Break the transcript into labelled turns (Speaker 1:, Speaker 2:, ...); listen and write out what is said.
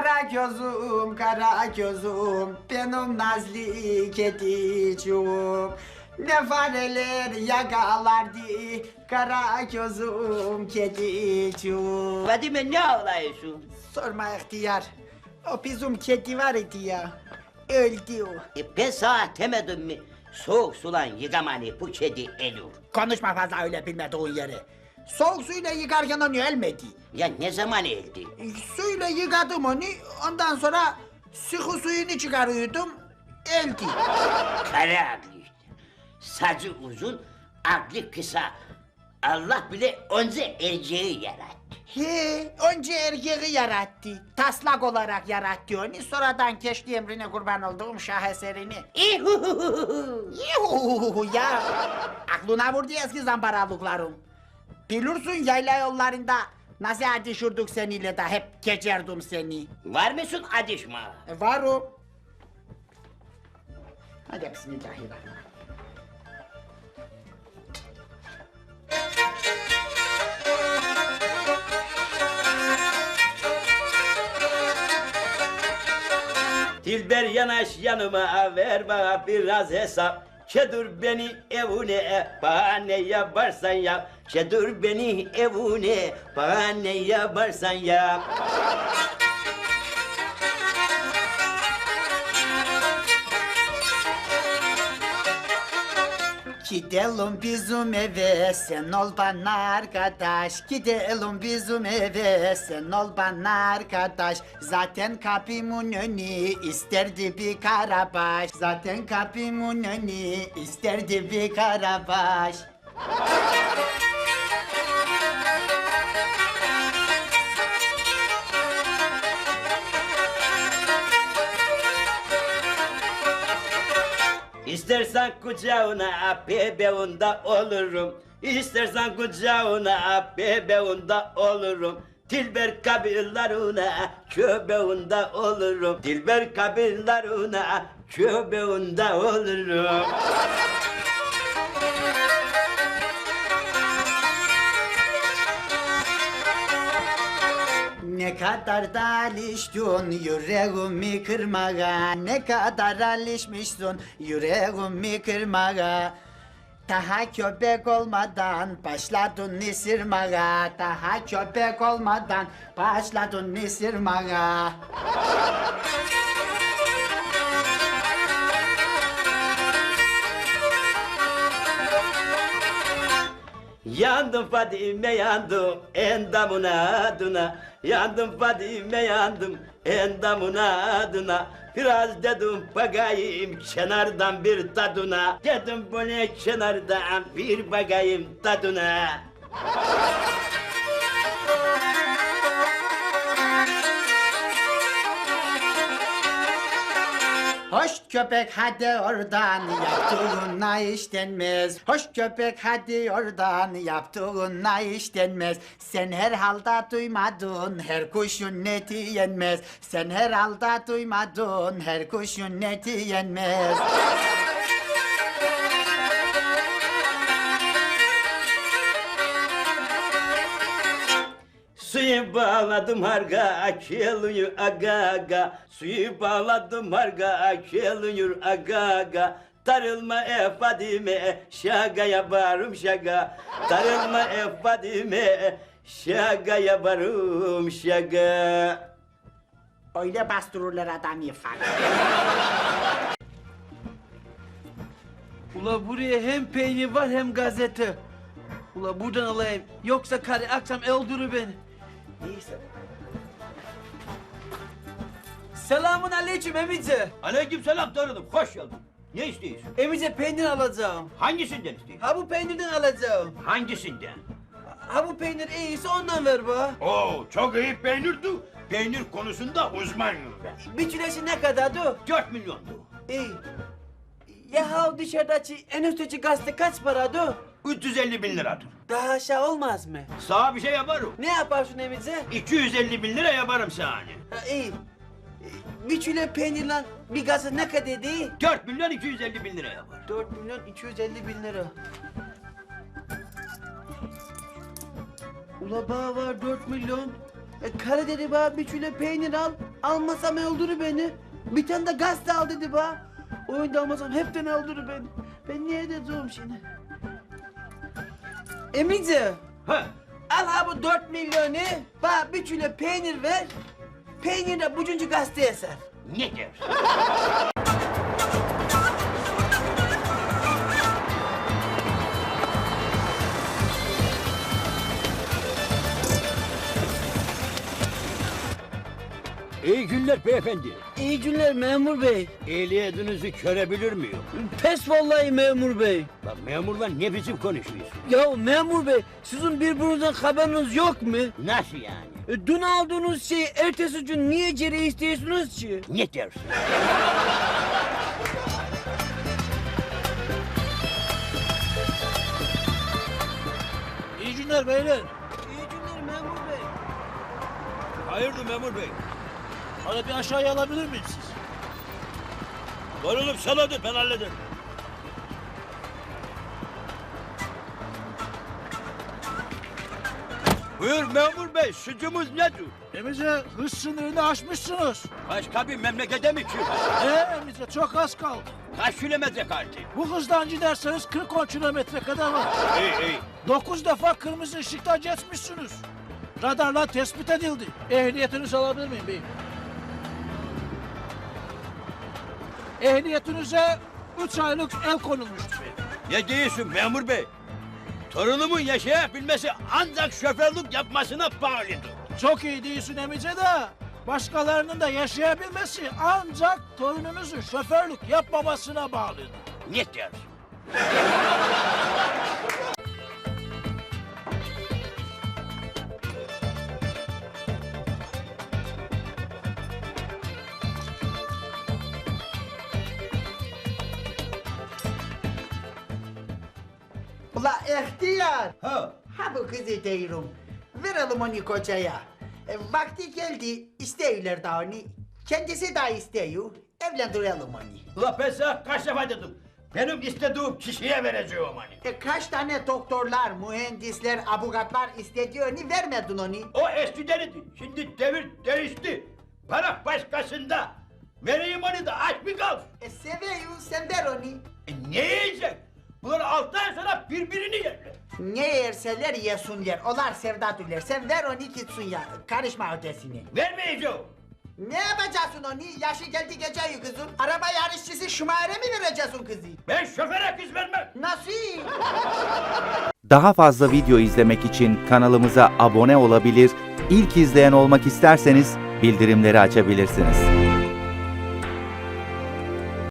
Speaker 1: Kara gözüm, kara gözüm, benim nazlı kedicim. Ne fareler yakalardı, kara gözüm kedicim.
Speaker 2: Fadime ne ağlıyorsun?
Speaker 1: Sorma ihtiyar, o bizim kedi var idi ya, öldü o.
Speaker 2: Ben sana demedim mi? Soğuk sulan yıkamanı bu kedi ölür.
Speaker 1: Konuşma fazla öyle bilmediğin yeri. Soğuk suyla yıkarken onu ölmedi.
Speaker 2: Ya ne zaman öldü?
Speaker 1: Suyla yıkadım onu, ondan sonra sıkı suyunu çıkarıyordum, öldü.
Speaker 2: Kara aklı işte. Saçı uzun, aklı kısa. Allah bile onca erceği yarattı.
Speaker 1: He, önce erkeği yarattı, taslak olarak yarattı onu, sonradan keşke emrine kurban olduğum şaheserini.
Speaker 2: İhuhuhuhu.
Speaker 1: Yuhuhuhu ya, aklına vurdu eski zamparalıklarım. Bilirsin yayla yollarında nasıl adışırdık seninle de hep geçerdim seni.
Speaker 2: Var mısın adışma?
Speaker 1: Varım. Hadi bismillahirrahmanirrahim.
Speaker 3: Dilber yanaş yanıma ver bana biraz hesap. Çedur beni evune bana ne yaparsan yap. Çedur beni evune bana ne yaparsan yap.
Speaker 1: Gidelim bizim eve, sen ol bana arkadaş. Gidelim bizim eve, sen ol bana arkadaş. Zaten kapımın önü isterdi bir karabaş. Zaten kapımın önü isterdi bir karabaş.
Speaker 3: İstersen kucağına bebeğunda olurum. İstersen kucağına bebeğunda olurum. Dilber kabirlerine köbeğinde olurum. Dilber kabirlerine köbeğinde olurum.
Speaker 1: Ne kadar da alıştın yüreğimi kırmaya. Ne kadar alışmışsın yüreğimi kırmaya. Daha köpek olmadan başladın ısırmaya. Daha köpek olmadan başladın ısırmaya.
Speaker 3: Yandım Fadime yandım endamına adına. Yandım Fadime yandım endamına adına. Biraz dedim bakayım kenardan bir tadına. Dedim bu ne kenardan bir bakayım tadına.
Speaker 1: Hoş köpek hadi oradan yaptığına iş denmez. Hoş köpek hadi oradan yaptığına iş denmez. Sen herhalde duymadın her kuşun neti yenmez. Sen herhalde duymadın her kuşun neti yenmez.
Speaker 3: Suyu bağladım harga akılıyor aga aga. Suyu bağladım harga akılıyor aga aga. Darılma Fadime şagaya varım şaga. Darılma Fadime şagaya varım şaga.
Speaker 1: Öyle bastırırlar adam yıfak.
Speaker 4: Ula buraya hem peynir var hem gazete. Ula buradan alayım. Yoksa karı akşam öldürür beni. Neyse. Selamun aleyküm emice.
Speaker 3: Aleykümselam tanıdım, hoş geldin. Ne istiyorsun?
Speaker 4: Emice peynir alacağım.
Speaker 3: Hangisinden istiyorsun?
Speaker 4: Ha bu peynirden alacağım.
Speaker 3: Hangisinden?
Speaker 4: Ha bu peynir iyiyse ondan ver bana.
Speaker 3: Oo, çok iyi peynirdi. Peynir konusunda uzmanım ben.
Speaker 4: Bir kilesi ne kadardı?
Speaker 3: 4 milyondu.
Speaker 4: İyi. Ya ha dışarıdaki en üstteki gazete kaç paradı?
Speaker 3: 350 bin liradır.
Speaker 4: Daha aşağı olmaz mı?
Speaker 3: Sana bir şey yaparım.
Speaker 4: Ne yaparsın emice?
Speaker 3: 250 bin lira yaparım sana.
Speaker 4: Ha iyi. Bir kilo peynirle bir gazete ne kadar değil?
Speaker 3: 4 milyon 250 bin lira yapar.
Speaker 4: 4 milyon 250 bin lira. Ula bana var 4 milyon. Kara dedi bana bir kilo peynir al. Almasam öldürür beni. Bir tane de gazete al dedi bana. Oyunda almasam hepten öldürür beni. Ben niye edeceğim şimdi? Emice.
Speaker 3: Ha,
Speaker 4: Al ha bu 4 milyonu. Bana bir kilo peynir ver. Peynir de bucuncu gazeteye ser.
Speaker 2: Ne dersin?
Speaker 3: iyi günler beyefendi.
Speaker 4: İyi günler memur bey.
Speaker 3: Ehliyetinizi görebilir miyim?
Speaker 4: Pes vallahi memur bey.
Speaker 3: Lan memurla ne biçim konuşuyorsun?
Speaker 4: Ya memur bey sizin birbirinizden haberiniz yok mu?
Speaker 2: Nasıl yani?
Speaker 4: Dün aldığınız şeyi ertesi gün niye geri istiyorsunuz ki?
Speaker 2: Ne dersin?
Speaker 5: İyi günler beyler.
Speaker 4: İyi günler memur bey.
Speaker 3: Hayırdır memur bey?
Speaker 5: Bana bir aşağıya alabilir miyim siz?
Speaker 3: Varılıp sanadır, ben hallederim. Buyur memur bey, suçumuz nedir?
Speaker 5: Emice hız sınırını aşmışsınız.
Speaker 3: Başka bir memlekete mi çıkıyor?
Speaker 5: Emice çok az kaldı.
Speaker 3: Kaç kilometre kaldı?
Speaker 5: Bu hızdan giderseniz 40-10 kilometre kadar var.
Speaker 3: İyi iyi.
Speaker 5: 9 defa kırmızı ışıkta geçmişsiniz. Radarla tespit edildi. Ehliyetinizi alabilir miyim beyim? Ehliyetinize 3 aylık el konulmuştur beyim.
Speaker 3: Ne diyorsun memur bey? Torunumun yaşayabilmesi ancak şoförlük yapmasına bağlıdır.
Speaker 5: Çok iyi değilsin Emice de. Başkalarının da yaşayabilmesi ancak torununuzun şoförlük yapmamasına bağlıdır.
Speaker 3: Ne dersin?
Speaker 1: Ula ihtiyar.
Speaker 3: Ha.
Speaker 1: Ha bu kızı diyorum. Verelim onu kocaya. Vakti geldi istiyorlar da onu. Kendisi de istiyor. Evlendirelim onu.
Speaker 3: Ula ben sana kaç defa dedim. Benim istediğim kişiye vereceğim hani.
Speaker 1: Kaç tane doktorlar, mühendisler, avukatlar istediği onu vermedin onu.
Speaker 3: O eskidenidi. Şimdi devir değişti. Para başkasında. Vereyim onu da aç mı kalsın?
Speaker 1: Seviyor, sen ver onu.
Speaker 3: Ne yiyecek? Bunlar 6 ay sonra birbirini yerler.
Speaker 1: Ne yerseler yesinler, onlar sevdadırlar. Sen ver onu gitsin ya, karışma ötesine.
Speaker 3: Vermeyeceğim.
Speaker 1: Ne yapacaksın onu? Yaşı geldi geceyi kızın. Araba yarışçısı Şumayre mi vereceksin kızı?
Speaker 3: Ben şoföre kız vermem.
Speaker 1: Nasıl?
Speaker 6: Daha fazla video izlemek için kanalımıza abone olabilir, ilk izleyen olmak isterseniz bildirimleri açabilirsiniz.